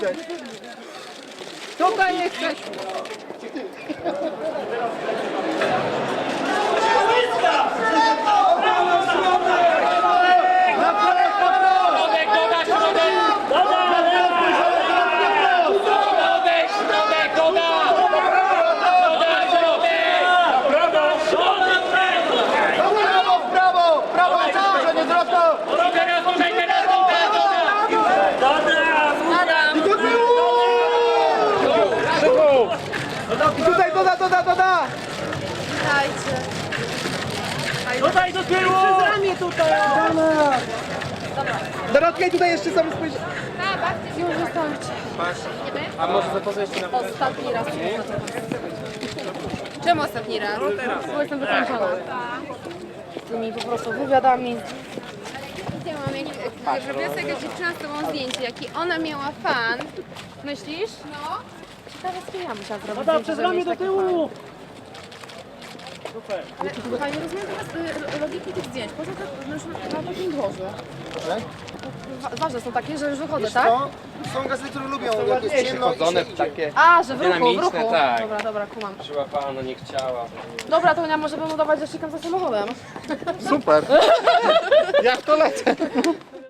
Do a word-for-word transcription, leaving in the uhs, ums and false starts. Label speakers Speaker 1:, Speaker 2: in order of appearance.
Speaker 1: widać.
Speaker 2: Tutaj jesteś.
Speaker 1: I tutaj doda, doda, doda!
Speaker 2: Dajcie.
Speaker 3: Tutaj do tyłu!
Speaker 2: Przez ramię tutaj.
Speaker 1: Dorotka i tutaj jeszcze sobie spojrzy.
Speaker 2: Już wystarczy.
Speaker 1: A może za to jeszcze na
Speaker 2: Ostatni raz. Czemu ostatni raz? Bo jestem wykończona. Tymi po prostu wywiadami.
Speaker 4: Ja mam jak robiła sobie jakaś dziewczyna z tobą zdjęcie, jaki ona miała fan.
Speaker 2: Myślisz? No. Ciekawe z kim ja musiałam zrobić
Speaker 3: Woda
Speaker 2: zdjęcie,
Speaker 3: przez
Speaker 2: żeby
Speaker 3: ramię
Speaker 2: mieć
Speaker 3: do
Speaker 2: taki
Speaker 3: tyłu! Super.
Speaker 2: fan. Fajnie rozumiem teraz y, logiki tych zdjęć. Po co to już na takim dworze? Wa- Ważne są takie, że już wychodzę, tak?
Speaker 1: To są gazety, które lubią, jak jest ciemno i
Speaker 5: Chodzone
Speaker 1: się
Speaker 5: w
Speaker 1: idzie.
Speaker 5: takie
Speaker 2: A, że w ruchu, w
Speaker 5: dynamiczne,
Speaker 2: ruchu.
Speaker 5: tak.
Speaker 2: Dobra, dobra, kumam.
Speaker 5: Przyłapano, nie chciała.
Speaker 2: Dobra, to ja może bym udawać, że szukam za samochodem.
Speaker 1: Super. Jak to lecę?